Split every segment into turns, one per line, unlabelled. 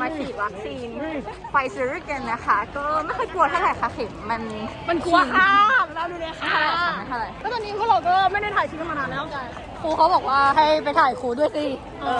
ฉีดวัคซีนไฟเซอร์กันนะคะก็ไม่ค่อยกลัวเท่าไหร่ค่ะเข็ม
มันกลัวค่ะเราดูเลยค่ะ
ไม่เท่าไหร่
ก็ตอนนี้พวกเราก็ไม่ได้ถ่ายคลิปมานานแล้วกัน
ครูเขาบอกว่าให้ไปถ่ายครูด้วยสิ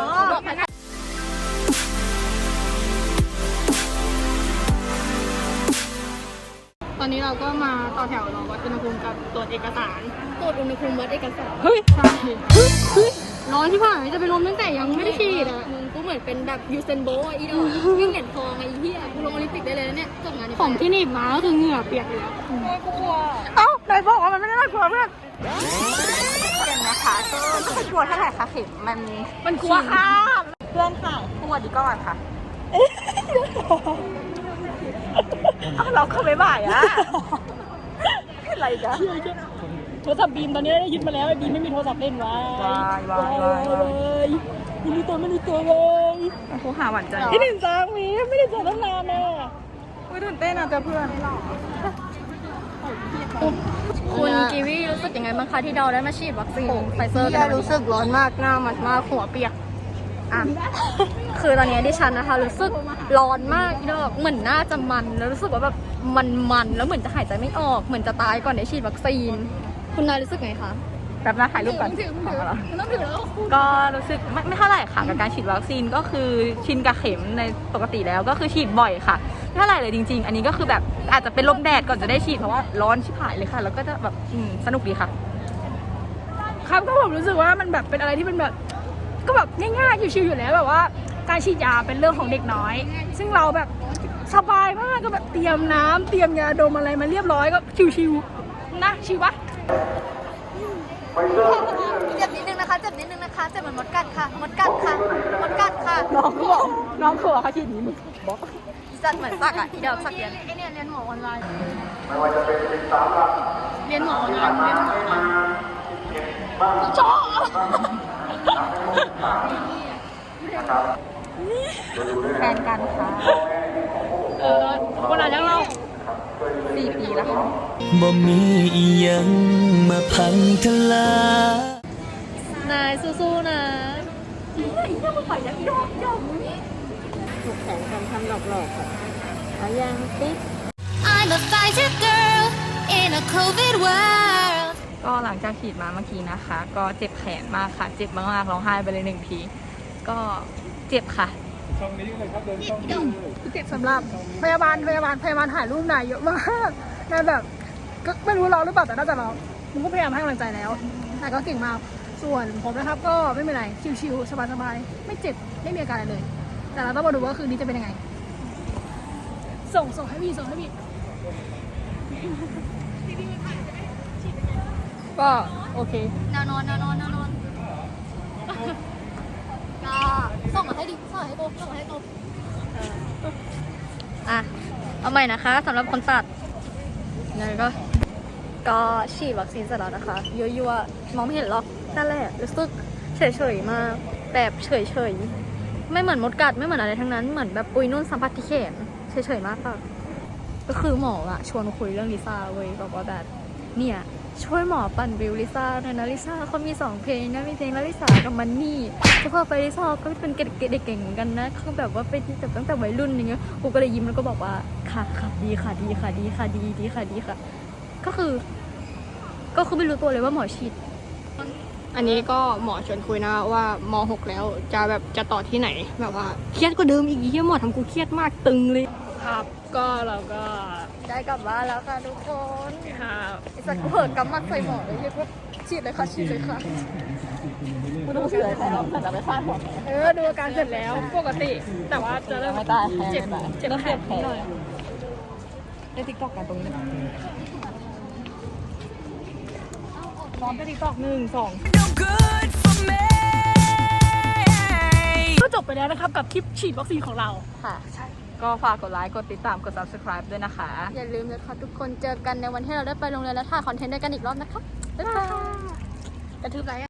ตอนนี้เราก็มาต่อแถวรอวัดอุณหภูมิกับตรวจเอกสารตรวจอุณหภูมิวัดเอกสาร
เฮ้ย
ใช่ร้อนที่ผ่านจะไปลงตั้งแต่ยังไม่ได้ฉีดอ่ะมึงกูเหมือนเป็นแบบยูเซนโบอีดอกวิ่งเหรียญทองไอ้เหี้ยกูลงโอลิมปิกได้เลยนะเนี่ยจบงานของที่หนีบมาก็คือเหงื่อเปียกเลยกูกลัว
เอ้าไหนบอกว่ามันไม่ได้น่ากลัวเพื่อนกันนะคะก็ไม่ค่อยกลัวเท่าไหร่ค่ะเข็ม
มันกลัวค่ะ
เพื่อนค่ะสวัสดีก่อนค่ะเราเข้าไปบ่ายอะอะไรกัน
โทรศัพท์บีมตอนนี้ได้ยึดมาแล้วไอ้บีมไม่มีโทรศัพท์เล่นวะไม่มีตัวเลย
ครูหาหวานใจ
ที่หนึ่งจางมีไม่ได้เจอตั้งนานเลย
ตื่นเต้นอะเจอเพื่อน
คุณกีวีรู้สึกยังไงบ้างคะที่เราได้มาฉีดวัคซีนไฟเซอร์
รู้สึกร้อนมากหน้ามันมากหัวเปียก
อ่ะคือตอนนี้ดิฉันนะคะรู้สึกร้อนมากอีดอกเหมือนหน้าจะมันแล้วรู้สึกว่าแบบมันแล้วเหมือนจะหายใจไม่ออกเหมือนจะตายก่อนได้ฉีดวัคซีนคุณนายรู้สึกไงคะ
แบบน่าถ่ายรูปกัน
ต้องถือแล้ว
ก็รู้สึกไม่เท่าไหร่ค่ะกับการฉีดวัคซีนก็คือชินกับเข็มในปกติแล้วก็คือฉีดบ่อยค่ะไม่เท่าไหร่เลยจริงๆอันนี้ก็คือแบบอาจจะเป็นลมแดดก่อนจะได้ฉีดเพราะว่าร้อนชิบหายเลยค่ะแล้วก็จะแบบสนุกดีค่ะ
ครับก็ผมรู้สึกว่ามันแบบเป็นอะไรที่มันแบบก็แบบง่ายๆชิวๆอยู่แล้วแบบว่าการฉีดยาเป็นเรื่องของเด็กน้อยซึ่งเราแบบสบายมากก็แบบเตรียมน้ำเตรียมยาดมอะไรมาเรียบร้อยก็ชิวๆนะชิวปะ
เจ็บนิดนึงนะคะเจ็บเหมือนมดกัดค่ะมดกัดค่ะน้องเขาฉีดนี้มึงบอกสัตว์เหมือนสักอ่ะอีดอกสักเรียนไอเนี่ยเรียนหมอออนไลน์
เรียนหมอออนไลน์จ้อ
แฟนกันค่ะ
คนอ่านยังเรา
4 ปีแล้วค่ะ
บ่มีอีหยังมาพังทลาย
นายสู้ๆนะ
ถูกแขนกันทำหลอกๆค่ะเอายังติ๊ก
I'm a fighter girl in a COVID world
ก็หลังจากฉีดมาเมื่อกี้นะคะ ก็เจ็บแขนมากค่ะเจ็บมากๆร้องไห้ไปเลย1 ทีก็เจ็บค่ะ
เจ็บสำหรับพยาบาลถ่ายรูปนายเยอะมากนายแบบก็ไม่รู้เราหรือเปล่าแต่น่าจะเราผมก็พยายามให้กำลังใจแล้วนายก็เก่งมากส่วนผมนะครับก็ไม่เป็นไรชิวๆสบายๆไม่เจ็บไม่มีอาการอะไรเลยแต่เราต้องมาดูว่าคืนนี้จะเป็นยังไงส่งให้พี่ก็โอเค
แนวนอนก็ส่งมาให้ดิส่งให้โบอ่ะเอาใหม่นะคะสำหรับคนตัดนี่ก็ฉีดวัคซีนเสร็จแล้วนะคะยั่วๆมองไม่เห็นหรอกนั่นแหละรู้สึกเฉยๆมากแบบเฉยๆไม่เหมือนมดกัดไม่เหมือนอะไรทั้งนั้นเหมือนแบบปุยนุ่นสัมผัสที่แขนเฉยๆมากค่ะก็คือหมออะชวนคุยเรื่องลิซ่าเว้ยบอกว่าแบบเนี่ยช่วยหมอปั่นวิวลิซ่าหน่อยนะลิซ่าเขามี2 เพลงนะมีเพลงลิซ่ากับมันนี่ก็พอไปลิซ่าก็เป็นเด็กเก่งเหมือนกันนะเขาแบบว่าไปที่แบบตั้งแต่วัยรุ่นอย่างเงี้ยกูก็เลยยิ้มแล้วก็บอกว่าค่ะดีค่ะก็คือไม่รู้ตัวเลยว่าหมอฉีดอันนี้ก็หมอชวนคุยนะว่าม.6 แล้วจะต่อที่ไหนแบบว่าเครียดกว่าเดิมอีกที่หมอทำกูเครียดมากตึงเลยครับก็เราก็
ได้กลับบ้านแล้วค่ะทุกคน
ครับ
ไอ้สัตว์กูเหินกำมัดใส่หมอเลยที่ฉีดเลยค่ะกูดูเสือแต่เราจะไปฟาดหัว
ดูอาการเสร็จแล้วปกติ แต่ว่าจะเริ่มเจ็บแขนนิดหน่อย
ได้ติ๊กตอกกันตรงนี้
ร้อนไปติ๊กตอก1 2
No good for me
ก็จบไปแล้วนะครับกับคลิปฉีดวัคซีนของเรา
ค่ะก็ฝากกดไลค์กดติดตามกด subscribe ด้วยนะคะ
อย่าลืมเลยค่ะทุกคนเจอกันในวันที่เราได้ไปโรงเรียนและถ่ายคอนเทนต์ด้วยกันอีกรอบนะคะบ๊ายบาย
กระทืบไร